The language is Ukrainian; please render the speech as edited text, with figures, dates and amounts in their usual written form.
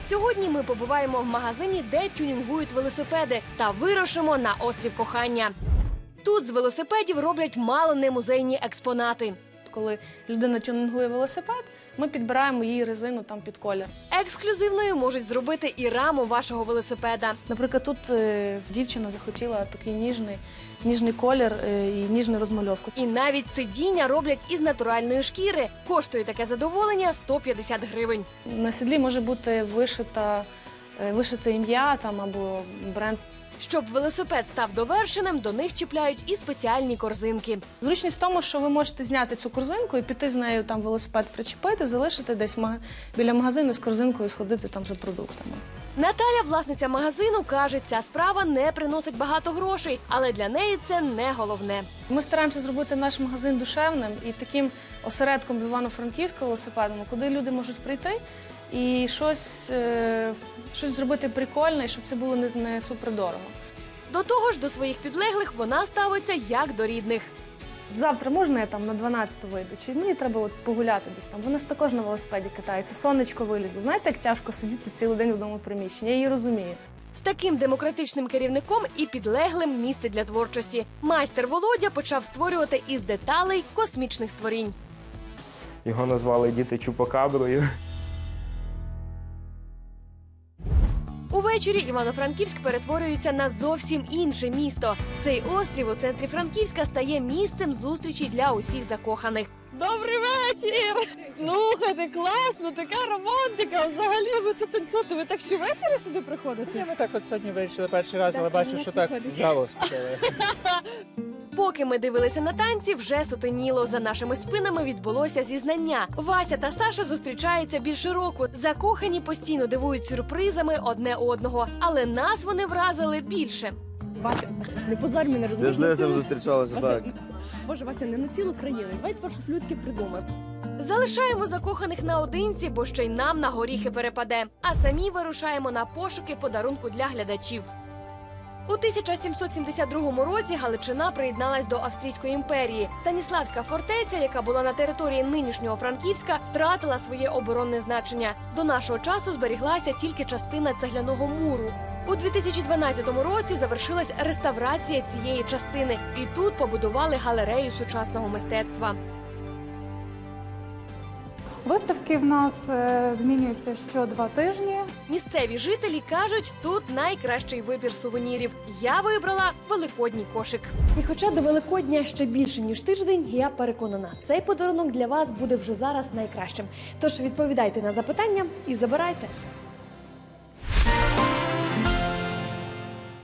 Сьогодні ми побуваємо в магазині, де тюнінгують велосипеди, та вирушимо на острів Кохання. Тут з велосипедів роблять мало не музейні експонати. Коли людина тюнінгує велосипед, ми підбираємо їй резину там під колір. Ексклюзивною можуть зробити і раму вашого велосипеда. Наприклад, тут дівчина захотіла такий ніжний колір і ніжну розмальовку. І навіть сидіння роблять із натуральної шкіри. Коштує таке задоволення 150 гривень. На сідлі може бути вишите ім'я або бренд. Щоб велосипед став довершеним, до них чіпляють і спеціальні корзинки. Зручність в тому, що ви можете зняти цю корзинку і піти з нею велосипед причепити, залишити десь біля магазину з корзинкою, сходити там за продуктами. Наталя, власниця магазину, каже, ця справа не приносить багато грошей, але для неї це не головне. Ми стараємося зробити наш магазин душевним і таким осередком в Івано-Франківську велосипедному, куди люди можуть прийти і щось зробити прикольне, і щоб це було не супердорого. До того ж, до своїх підлеглих вона ставиться як до рідних. Завтра можна я на 12 вийду? Чи мені треба погуляти десь там? Вона ж також на велосипеді катається, сонечко вилізу. Знаєте, як тяжко сидіти цілий день в одному приміщенні? Я її розумію. З таким демократичним керівником і підлеглим місце для творчості. Майстер Володя почав створювати із деталей космічних створінь. Його назвали діти Чупакаброю. Увечері Івано-Франківськ перетворюється на зовсім інше місто. Цей острів у центрі Франківська стає місцем зустрічі для усіх закоханих. Добрий вечір! Слухайте, класно, така романтика. Взагалі ви тут танцюєте, ви так щовечора сюди приходите? Ми так сьогодні вирішили перший раз, але бачу, що так взяло. Поки ми дивилися на танці, вже сутеніло. За нашими спинами відбулося зізнання. Вася та Саша зустрічаються більше року. Закохані постійно дивують сюрпризами одне одного. Але нас вони вразили більше. Вася, не позорь мене, розумієш? З Лесем зустрічалися, так. Боже, Вася, не на цілу країну. Давай тепер щось людське придумаємо. Залишаємо закоханих наодинці, бо ще й нам на горіхи перепаде. А самі вирушаємо на пошуки подарунку для глядачів. У 1772 році Галичина приєдналась до Австрійської імперії. Станіславська фортеця, яка була на території нинішнього Франківська, втратила своє оборонне значення. До нашого часу зберіглася тільки частина цегляного муру. У 2012 році завершилась реставрація цієї частини. І тут побудували галерею сучасного мистецтва. Виставки в нас змінюються що 2 тижні. Місцеві жителі кажуть, тут найкращий вибір сувенірів. Я вибрала великодній кошик. І хоча до Великодня ще більше, ніж тиждень, я переконана, цей подарунок для вас буде вже зараз найкращим. Тож відповідайте на запитання і забирайте.